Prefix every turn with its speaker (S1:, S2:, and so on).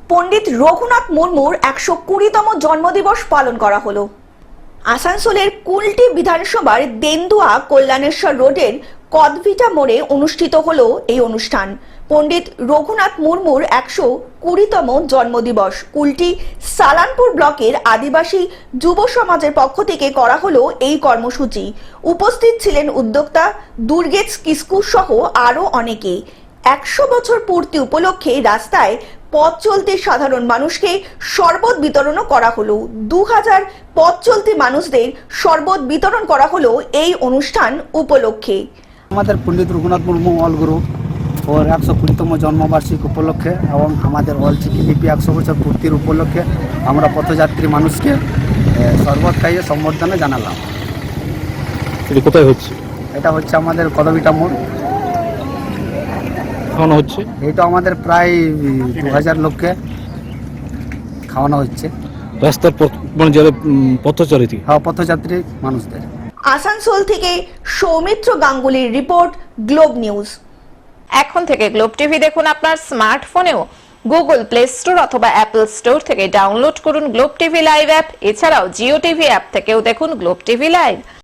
S1: পণ্ডিত রঘুনাথ মুর্মুর ১২০তম জন্মদিবস পালন করা হলো। আসানসোলের কুলটি বিধানসভার দেন্দুয়া কল্যাণেশ্বর রোডের কদভিটা মোড়ে অনুষ্ঠিত হলো এই অনুষ্ঠান। পণ্ডিত রঘুনাথ মুর্মুর ১২০তম জন্মদিবস কুলটি সালানপুর ব্লকের আদিবাসী যুব সমাজের পক্ষ থেকে করা হলো এই কর্মসূচি। উপস্থিত ছিলেন উদ্যোক্তা দুর্গেশ কিস্কু সহ আরো অনেকে। ১০০ বছর পূর্তি উপলক্ষে রাস্তায় পথ চলতে সাধারণ মানুষকে শরবত বিতরণও করা হলো। ২০০০ পথ চলতি মানুষদের শরবত বিতরণ করা হলো এই অনুষ্ঠান উপলক্ষে।
S2: আমাদের পণ্ডিত রঘুনাথ মুর্মু অলগুরু ওর ১২০তম জন্মবার্ষিকী উপলক্ষে এবং আমাদের অলচিকি লিপি ১০০ বছর পূর্তির উপলক্ষে আমরা পথযাত্রী মানুষকে শরবত খাইয়ে সম্বর্ধনা জানালাম।
S3: এটা কোথায় হচ্ছে?
S2: এটা হচ্ছে আমাদের কদভিটা মোড়।
S3: খাওয়ানো হচ্ছে?
S2: এটা আমাদের প্রায় ২০০০ লোককে খাওয়ানো হচ্ছে।
S3: রাস্তার মানে যারা পথচারী
S2: পথযাত্রী মানুষদের।
S1: আসানসোল থেকে সৌমিত্র গাঙ্গুলির রিপোর্ট, গ্লোব নিউজ।
S4: এখন থেকে গ্লোব টিভি দেখুন আপনার স্মার্টফোনেও। গুগল প্লে স্টোর অথবা অ্যাপল স্টোর থেকে ডাউনলোড করুন গ্লোব টিভি লাইভ অ্যাপ। এছাড়াও জিও টিভি অ্যাপ থেকেও দেখুন গ্লোব টিভি লাইভ।